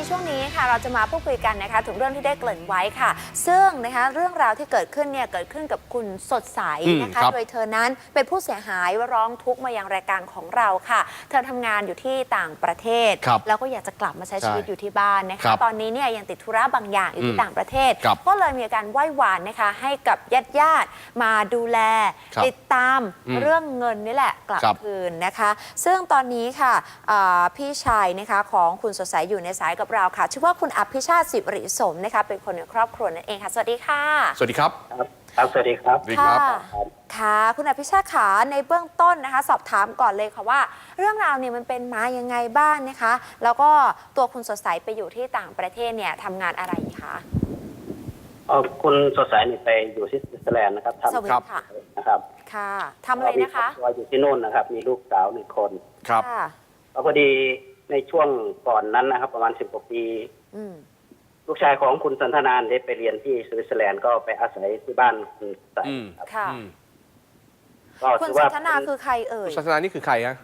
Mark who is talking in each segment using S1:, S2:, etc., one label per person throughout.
S1: ช่วงนี้ค่ะเราจะมาพูดคุยกันนะคะถึงเรื่องที่ได้เกริ่นไว้ค่ะซึ่งนะคะเรื่องราวที่เกิดขึ้นเนี่ยเกิดขึ้นกับคุณสดใสนะคะโดยเธอนั้นเป็นผู้เสียหายร้องทุกข์มายังรายการของเราค่ะเธอทำงานอยู่ที่ต่างประเทศแล้วก็อยากจะกลับมาใช้ชีวิตอยู่ที่บ้านนะคะตอนนี้เนี่ยยังติดธุระบางอย่างอยู่ที่ต่างประเทศก็เลยมีการไหว้วานนะคะให้กับญาติมาดูแลติดตามเรื่องเงินนี่แหละกลับคืนนะคะซึ่งตอนนี้ค่ะพี่ชายนะคะของคุณสดใสอยู่ในสายกับเราค่ะชื่อว่าคุณอภิชาติสิริสมนะคะเป็นคนในครอบครัวนั่นเองค่ะสวัสดีค่ะ
S2: สวัสดีครับ
S3: สวัสดีครับ
S1: ค่ะคุณอภิชาติขาในเบื้องต้นนะคะสอบถามก่อนเลยค่ะว่าเรื่องราวเนี่ยมันเป็นมายังไงบ้างนะคะแล้วก็ตัวคุณสดใสไปอยู่ที่ต่างประเทศเนี่ยทำงานอะไรคะ
S3: คุณสดใสนี่ไปอยู่ที่สวิตเซอร์แลนด์นะครับทำ
S1: ครับ
S3: นะครับ
S1: ค่ะทำอะไรนะคะ
S3: อยู่ที่โน่นนะครับมีลูกสาว1 คน
S2: ครับ
S3: พอดีในช่วงก่อนนั้นนะครับประมาณ10 กว่าปีลูกชายของคุณสันทนานได้ไปเรียนที่สวิตเซอร์แลนด์ก็ไปอาศัยที่บ้านคุณใส
S1: ค่ะคุณสันทนาคือใครเอ่ย
S2: คุณสันทนานี่คือใครฮะ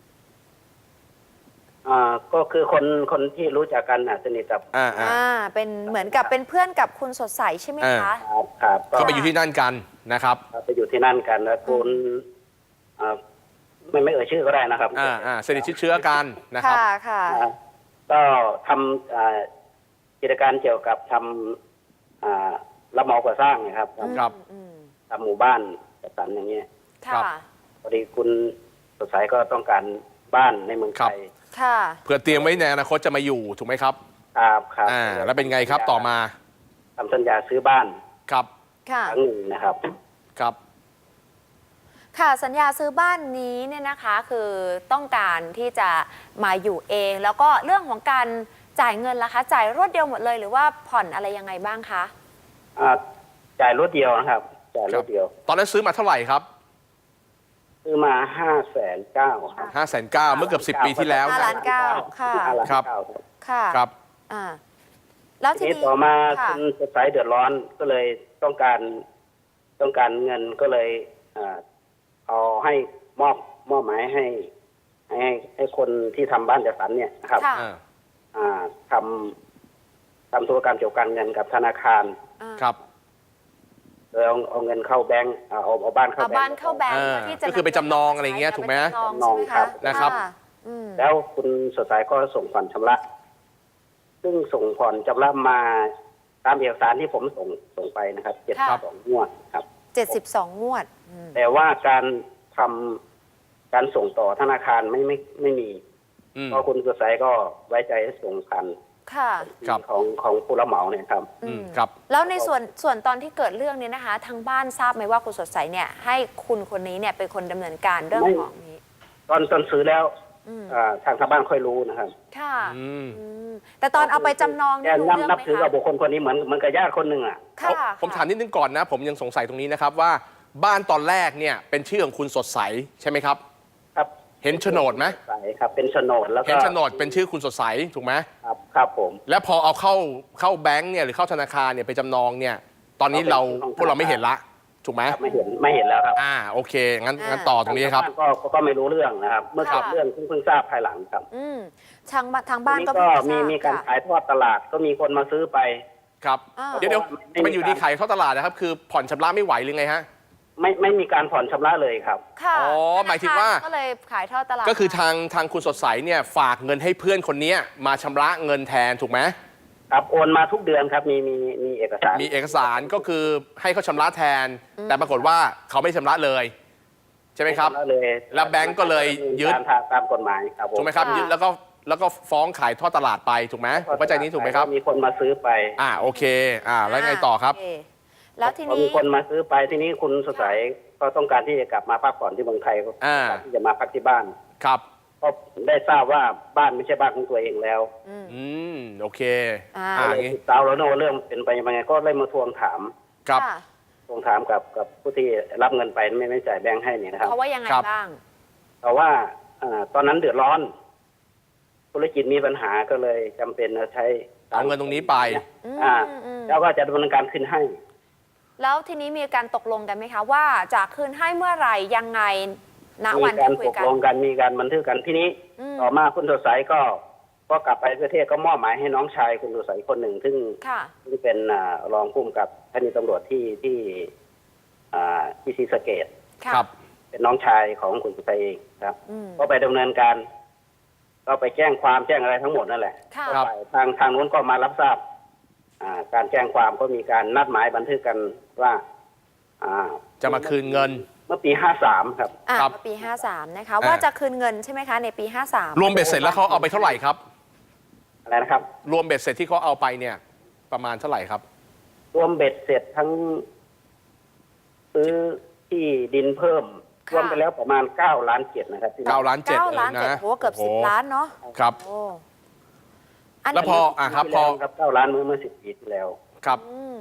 S3: ก็คือคนที่รู้จักกันสนิทกับ
S1: เป็นเหมือนกับเป็นเพื่อนกับคุณสดใสใช่ไหมคะ
S3: ครับ
S2: ก็ไปอยู่ที่นั่นกันนะครับ
S3: ไปอยู่ที่นั่นกันแล้วคุณไม่เอ่ยชื่อก็ได้นะครับ
S2: สนิทเชื้อกันนะครับ
S1: ค่ะ
S3: ก็ทำกิจการเกี่ยวกับทำรับเหมาก่อสร้างนะครับทำหมู่บ้านจัดสรรอย่างนี้พอดีคุณสดใสก็ต้องการบ้านในเมืองไทย
S2: เพื่อเตรียมไว้ในอนาคตจะมาอยู่ถูกไหมครับ
S3: ครับ
S2: แล้วเป็นไงครับต่อมา
S3: ทำสัญญาซื้อบ้าน
S2: ครับ
S3: ครั้งหนึ่งนะครับ
S1: ค่ะสัญญาซื้อบ้านนี้เนี่ยนะคะคือต้องการที่จะมาอยู่เองแล้วก็เรื่องของการจ่ายเงินล่ะคะจ่ายรวดเดียวหมดเลยหรือว่าผ่อนอะไรยังไงบ้างคะ
S3: จ่ายรวดเดียวนะครับจ่ายรวดเดียว
S2: ตอนนั้นซื้อมาเท่าไหร่ครับ
S3: ซื้อมา590,000
S2: ครับ590,000เมื่อเกือบ10 ปีที่แล้ว
S1: 5,900,000ค่ะ
S2: ครับ
S1: แล้วที
S3: นี้ต่อมาคุณสดใสเดือดร้อนก็เลยต้องการเงินก็เลยเอาให้มอบหมายให้คนที่ทำบ้านจัดสรรเนี่ยนะครับทำธุรกรรมเกี่ยวกับการเงินกับธนาคาร
S2: ครับ
S3: โดยเอาเงินเข้าแบงก์เอาบ้านเข้าแบงก์
S2: ก็คือไปจำนองอะไรเงี้ยถูกไหม
S3: จำนองครับ
S2: นะครับ
S3: แล้วคุณสดใสก็ส่งผ่อนชำระซึ่งส่งผ่อนชำระมาตามเอกสารที่ผมส่งไปนะครับ72 งวดครับ
S1: 72 งวด
S3: แต่ว่าการส่งต่อธนาคารไม่มีเพราะคุณสดใสก็ไว้ใจให้ส่งผ่านของผู้รับเหมาเนี่ยครับ
S1: แล้วในส่วนตอนที่เกิดเรื่องนี้นะคะทางบ้านทราบไหมว่าคุณสดใสเนี่ยให้คุณคนนี้เนี่ยเป็นคนดำเนินการเรื่องของนี้
S3: ตอนซื้อแล้วทางบ้านค่อยรู้นะครับ
S1: ค่ะแต่ตอนเอาไปจำนอง
S3: เนี่ยนับถือกับบุคคลคนนี้เหมือนกับญาติคนหนึ่ง
S2: ผมถามนิดนึงก่อนนะผมยังสงสัยตรงนี้นะครับว่าบ้านตอนแรกเนี่ยเป็นชื่อของคุณสดใสใช่ไหมครับ
S3: ครับ
S2: เห็นโฉนดไหม
S3: ครับเป็นโฉนดแล้วก็
S2: เห็นโฉนดเป็นชื่อคุณสดใสถูกไหม
S3: ครับผม
S2: แล้วพอเอาเข้าแบงก์เนี่ยหรือเข้าธนาคารเนี่ยไปจำนองเนี่ยตอนนี้พวกเราไม่เห็นละถูกไหม
S3: ไม่เห็นแล้วครับ
S2: โอเคงั้นต่อตรงนี้ครับ
S3: ก็ไม่รู้เรื่องนะครับเมื่อเกิดเรื่องเพิ่งทราบภายหลังครับ
S1: ทางบ้านก็
S3: มีการขายทอดตลาดก็มีคนมาซื้อไป
S2: ครับเดี๋ยวมันอยู่ดีขายทอดตลาดนะครับคือผ่อนชำระไม่ไหวหรือไงฮะ
S3: ไม่มีการผ่อนชำระเลยครับ
S1: อ๋
S2: อหมายถึงว่า
S1: ก็เลยขายทอดตลาด
S2: ก็คือทางคุณสดใสเนี่ยฝากเงินให้เพื่อนคนนี้มาชำระเงินแทนถูกไหม
S3: ครับโอนมาทุกเดือนครับมีเอก
S2: สารก็คือให้เขาชำระแทนแต่ปรากฏว่าเขาไม่ชำระเลยใช่ไหมครับแล้วแบงก์ก็เลยยึด
S3: ตามกฎหมายครับ
S2: ถูกไหมครับยึดแล้วก็ฟ้องขายทอดตลาดไปถูกไหมเข้าใจนี้ถูกไหมครับ
S3: มีคนมาซื้อไป
S2: โอเคแล้วไงต่อครับ
S1: แล้วทีนี้
S3: มีคนมาซื้อไปทีนี้คุณสดใสก็ต้องการที่จะกลับมาพักผ่อนที่เมืองไทยก็ที่จะมาพักที่บ้าน
S2: ครับ
S3: ก็ได้ทราบว่าบ้านไม่ใช่บ้านของตัวเองแล้ว
S2: โอเค
S3: ติดตามแล้วโน้เรื่องเป็นไปยังไงก็เลยมาทวงถาม
S2: ครับ
S3: ทวงถามกับผู้ที่รับเงินไปไม่จ่ายแบงค์ให้เนี่ยนะครับ
S1: เขาว่ายังไงบ้าง
S3: เพราะว่าตอนนั้นเดือดร้อนธุรกิจมีปัญหาก็เลยจำเป็นใช้
S2: เอาเงินตรงนี้ไป
S3: แล้วก็จะดำเนินการขึ้นให้
S1: แล้วทีนี้มีการตกลงกันไหมคะว่าจะคืนให้เมื่อไหร่ยังไงณวันที่คุยกัน
S3: มีการตกลงกันมีการบันทึกกันทีนี้ต่อมาคุณสดใสก็ก็กลับไปประเทศก็มอบหมายให้น้องชายคุณสุสัยคนหนึ่งซึ่ง
S1: ค่ะ
S3: เป็นรองผู้กำกับสถานีตำรวจที่ศรีสะเกษ
S1: ค่ะ
S2: ครับ
S3: เป็นน้องชายของคุณสุสัยเองครับ
S1: อืม
S3: ก็ไปดำเนินการ ก็ไปแจ้งความแจ้งอะไรทั้งหมดนั่นแหละ
S1: ค่ะ
S3: ก็ไปทางนู้นก็มารับทราบการแจ้งความก็มีการนัดหมายบันทึกกันว่า
S2: จะมาคืนเงิน
S3: เมื่อปี53ครับ
S2: ครับ
S1: ปี 53 นะคะ ว่าจะคืนเงินใช่ไหมคะ ในปี 53
S2: รวมเบ็ดเสร็จแล้วเขาเอาไปเท่าไหร่ครับ
S3: อะไรนะครับ
S2: รวมเบ็ดเสร็จที่เขาเอาไปเนี่ยประมาณเท่าไหร่ครับ
S3: รวมเบ็ดเสร็จทั้งซื้อที่ดินเพิ่ม
S1: ค่ะ
S3: รวมไปแล้วประมาณ9 ล้าน7นะครับที่
S2: 9 ล้าน 7
S1: 9
S2: เลย
S1: ล้าน
S2: นะ
S1: 7โหเกือบ
S2: โอ้โห
S1: 10 ล้านเนาะ
S2: ครับ
S1: โอ้
S2: แล้วพอครับพอ
S3: ครับ9 ล้านเมื่อ10 ปีที่แล้ว
S2: ครับ
S1: อืม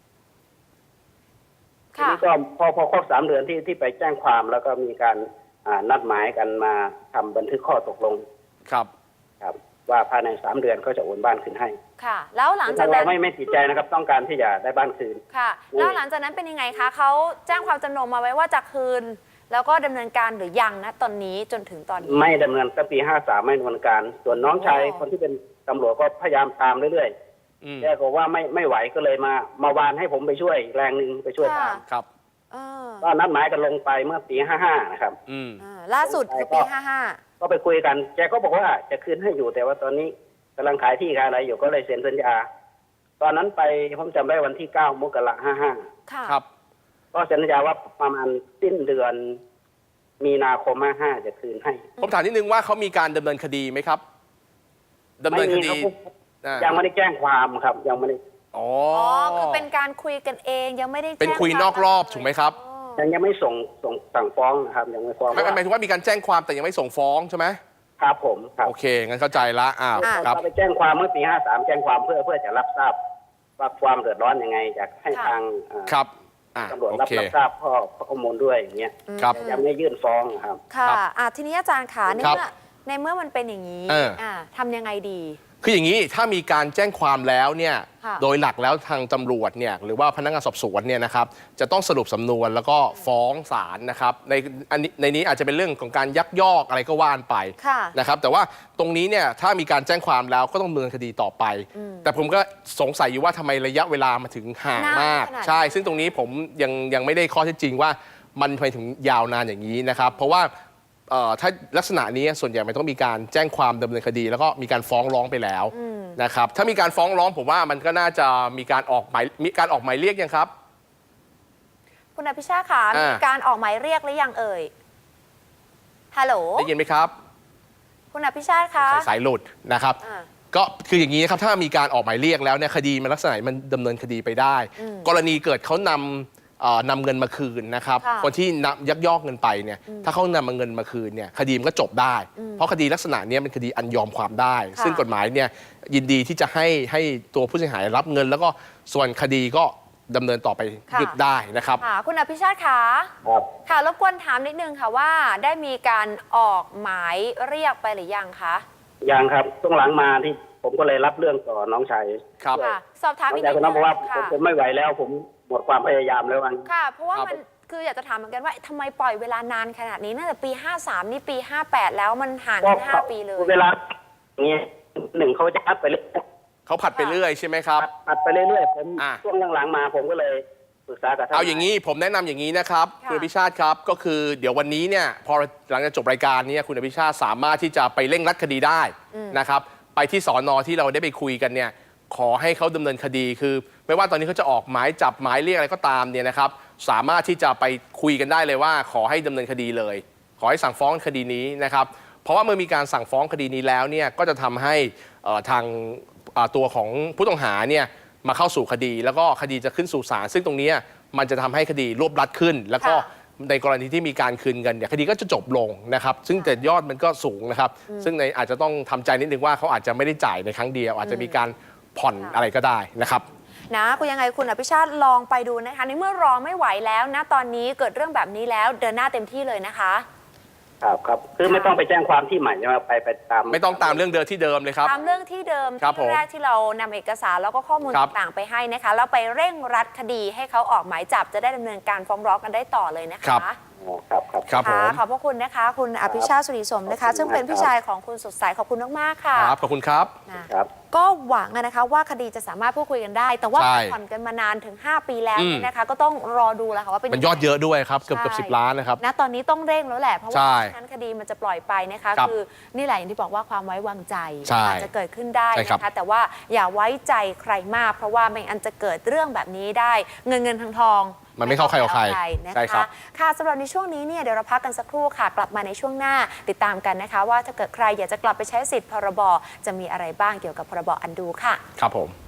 S3: ที
S1: ค่ะ
S3: นี้ก็พอครบ3 เดือนที่ไปแจ้งความแล้วก็มีการนัดหมายกันมาทำบันทึกข้อตกลง
S2: ครับ
S3: ครับ ว่าภายใน3 เดือนก็จะโอนบ้านคืนให้
S1: ค่ะ แล้วหลังจาก
S3: เรา
S1: นั้น
S3: ไม่ติดใจนะครับ ต้องการที่จะได้บ้านคืน
S1: ค่ะ แล้วหลังจากนั้นเป็นยังไงคะ เขาแจ้งความจำนงมาไว้ว่าจะคืน แล้วก็ดำเนินการหรือยังนะตอนนี้จนถึงตอนนี้
S3: ไม่ดำเนินตั้งปี53ไม่ดำเนินการ ส่วนน้องชาย
S1: อ๋อ
S3: คนที่เป็นตำรวจก็พยายามตามเรื่อย
S2: อืม
S3: ๆแกก็ว่าไม่ไหวก็เลยมาวานให้ผมไปช่วยแรงหนึ่งไปช่วยตาม
S2: ครับ
S1: เออ
S3: ก็นัดหมายกันลงไปเมื่อปี55นะครับ
S2: อืม
S1: ล่าสุดคือปี
S3: ก็ไปคุยกัน แกก็บอกว่าจะคืนให้อยู่แต่ว่าตอนนี้กำลังขายที่ขายอะไรอยู่ก็เลยเซ็นสัญญา ตอนนั้นไปผมจำได้วันที่9 มกราคม
S1: 55 ค่ะ
S2: ครับ
S3: ก็เซ็นสัญญาว่าประมาณสิ้นเดือนมีนาคม55จะคืนให้
S2: ผมถามนิดนึงว่าเขามีการดำเนินคดีไหมครับดำเนินคดี
S3: ไม่มีครับ
S2: อ่า
S3: ยังไม่ได้แจ้งความครับ ยังไม่ได้
S2: อ๋อ
S1: อ๋อ คือเป็นการคุยกันเองยังไม่ได้
S2: เป็นคุยนอกรอบถูกไหมครับ
S1: อ๋อ
S3: ยังไม่ส่งสั่งฟ้องนะครับยังไม่ฟ้อง
S2: ไม่หมายถึงว่ามีการแจ้งความแต่ยังไม่ส่งฟ้องใช่ไหม
S3: ครับผมครับ
S2: โอเคงั้นเข้าใจละครับ
S3: เราไปแจ้งความเมื่อปี53แจ้งความเพื่อจะรับทราบว่าความเดือดร้อนยังไงอยากให้ทาง
S2: ครับ
S3: ตำรวจ
S2: โอ
S3: รับ
S2: เค
S3: ทราบข้อมูลด้วยอย่างเงี้ย
S2: ครับ
S3: ยังไม่ยื่นฟ้องนะครับ
S1: ค่ะ
S2: ครับ
S1: ทีนี้อาจารย์ขาใน
S2: ครับ
S1: เมื่อในเมื่อมันเป็นอย่างนี้ ทำยังไงดี
S2: คืออย่างนี้ถ้ามีการแจ้งความแล้วเนี่ย
S1: ค่ะ
S2: โดยหลักแล้วทางตำรวจเนี่ยหรือว่าพนักงานสอบสวนเนี่ยนะครับจะต้องสรุปสำนวนแล้วก็ฟ้องศาลนะครับในนี้อาจจะเป็นเรื่องของการยักยอกอะไรก็ว่านไป
S1: ค่ะ
S2: นะครับแต่ว่าตรงนี้เนี่ยถ้ามีการแจ้งความแล้วก็ต้องดำเนินคดีต่อไป แต่ผมก็สงสัยอยู่ว่าทำไมระยะเวลามาถึงห่าง
S1: นาน
S2: มาก
S1: ขนาดนี้
S2: ใช่ ซึ่งตรงนี้ผมยังไม่ได้ข้อเท็จจริงว่ามันทำไมถึงยาวนานอย่างนี้นะครับเพราะว่าถ้าลักษณะนี้ส่วนใหญ่มันต้องมีการแจ้งความดำเนินคดี แล้วก็มีการฟ้องร้องไปแล้วนะครับถ้ามีการฟ้องร้องผมว่ามันก็น่าจะมีการออกหมายเรียกยังครับ
S1: คุณอภิชาติค่ะมีการออกหมายเรียกหรือยังเอ่ย ฮัลโหล
S2: ได้ยินไหมครับ
S1: คุณอภิชาติคะ
S2: สายหลุดนะครับ
S1: อ่า
S2: ก็คืออย่างนี้นะครับถ้ามีการออกหมายเรียกแล้วเนี่ยคดีมันลักษณะมันดำเนินคดีไปได้ กรณีเกิดเขานำเงินมาคืนนะครับ
S1: ค่ะ
S2: คนที่ยักยอกเงินไปเนี่ยถ้าเขานำเงินมาคืนเนี่ยคดีมันก็จบได้ เพราะคดีลักษณะเนี้ยเป็นคดีอันยอมความได้
S1: ค่ะ
S2: ซึ่งกฎหมายเนี่ยยินดีที่จะให้ตัวผู้เสียหายรับเงิน แล้วก็ส่วนคดีก็ดำเนินต่อไปหยุดได้นะครับ
S1: ค่ะ คุณอภิชาติคะ
S3: ครับ
S1: ค่ะรบกวนถามนิดนึงค่ะว่าได้มีการออกหมายเรียกไปหรือยังคะ
S3: ยังครับช่วงหลังมาที่ผมก็เลยรับเรื่องต่อน้องชาย
S2: ครับ
S1: ค่ะ สอบถาม
S3: น้อ
S1: อี
S3: ง
S1: ก
S3: ชาย
S1: นิด
S3: คน
S1: นึ
S3: นั้น
S1: ง
S3: บอกว่า
S1: ค่ะ
S3: ผมไม่ไหวแล้ว ผมหมดความพยายามแล้วมัน
S1: ค่ะ เพราะว่า
S2: ครับ
S1: มันคืออยากจะถามเหมือนกันว่าทำไมปล่อยเวลานานขนาดนี้ตั้งแต่ปี 53 นี่ปี 58 แล้วมันห่างกัน5 ปีเลย
S3: เวลาอย่างนี้หนึ่งเขาจะอัดไปเรื่อย
S2: เขาผัดไปเรื่อยใช่ไหมครับ
S3: อัดไปเรื่อยๆผม
S2: อ่ะ
S3: ช่วงหลังๆมาผมก็เลยปรึกษากับท่าน
S2: เอาอย่างนี้ผมแนะนำอย่างนี้นะครับ
S1: ค่ะ
S2: คุณอภิชาติครับก็คือเดี๋ยววันนี้เนี่ยพอหลังจากจบรายการเนี้คุณอภิชาติสามารถที่จะไปเร่งรัดคดีได้นะครับไปที่สอนอที่เราได้ไปคุยกันเนี่ยขอให้เขาดำเนินคดีคือ ไม่ว่าตอนนี้เขาจะออกหมายจับหมายเรียกอะไรก็ตามเนี่ยนะครับสามารถที่จะไปคุยกันได้เลยว่าขอให้ดำเนินคดีเลย ขอให้สั่งฟ้องคดีนี้นะครับเพราะว่าเมื่อมีการสั่งฟ้องคดีนี้แล้วเนี่ยก็จะทำให้ทางตัวของผู้ต้องหาเนี่ยมาเข้าสู่คดี แล้วก็คดีจะขึ้นสู่ศาลซึ่งตรงนี้มันจะทำให้คดีรวบรัดขึ้น แล้วก็
S1: ค่ะ
S2: ในกรณีที่มีการคืนเงินเนี่ยคดีก็จะจบลงนะครับซึ่งแต่ยอดมันก็สูงนะครับซึ่งในอาจจะต้องทำใจนิดนึงว่าเขาอาจจะไม่ได้จ่ายในครั้งเดียว อาจจะมีการผ่อนอะไรก็ได้นะครับ
S1: นะคุณยังไงคุณอภิชาติลองไปดูนะคะในเมื่อรอไม่ไหวแล้วนะตอนนี้เกิดเรื่องแบบนี้แล้วเดินหน้าเต็มที่เลยนะคะ
S3: ครับคือไม่ต้องไปแจ้งความที่ใหม่ใช่ไหมไปตาม
S2: ไม่ต้องตามเรื่องเดิมที่เดิมเลยครับ
S1: ตามเรื่องที่เดิม
S2: ครับผม
S1: ที่แรกที่เรานำเอกสารแล้วก็ข้อมูล
S2: ครับ
S1: ต่างๆไปให้นะคะแล้วไปเร่งรัดคดีให้เขาออกหมายจับจะได้ดำเนินการฟ้องร้องกันได้ต่อเลยนะ
S2: ครั
S1: คะ
S2: บ
S3: อ๋อครับครับ
S2: ครับผม
S1: ขอบพระคุณนะคะ คุณอภิชาติสุริสมนะคะ ซึ่งเป็นพี่ชายของคุณสดใสขอบคุณมากๆค่ะ
S2: ครับขอบคุณครับ
S1: นะครับ ก็หวังนะคะว่าคดีจะสามารถพูดคุยกันได้ แต่ว่า
S2: ใช่
S1: ผ่อนกันมานานถึง 5 ปีแล้วเนี่ยนะคะ ก็ต้องรอดูแล้วค่ะว่าเป็น
S2: มันยอดเยอะด้วยครับเกือบ
S1: ใช่
S2: 10 ล้านนะครับ
S1: นะตอนนี้ต้องเร่งแล้วแหละ เพราะว่า
S2: ใช่
S1: ไม่งั้นคดีมันจะปล่อยไปนะคะ
S2: ครับ
S1: คือนี่แหละอย่างที่บอกว่าความไว้วางใจ
S2: ใช่
S1: อาจจะเกิดขึ้นได้
S2: ใช่ครับ
S1: นะคะ แต่ว่าอย่าไว้ใจใครมาก เพราะว่าไม่งั้นจะเกิดเรื่องแบบนี้ได้ เงินทอง
S2: มันไม่เข้าใครออกใคร
S1: นะ
S2: ใช่ครั
S1: คะ
S2: บ
S1: ค่ะสำหรับในช่วงนี้เนี่ยเดี๋ยวเราพักกันสักครู่ค่ะ กลับมาในช่วงหน้าติดตามกันนะคะ ว่าถ้าเกิดใครอยากจะกลับไปใช้สิทธิ์พรบจะมีอะไรบ้างเกี่ยวกับพรบอันดูค่ะ
S2: ครับผม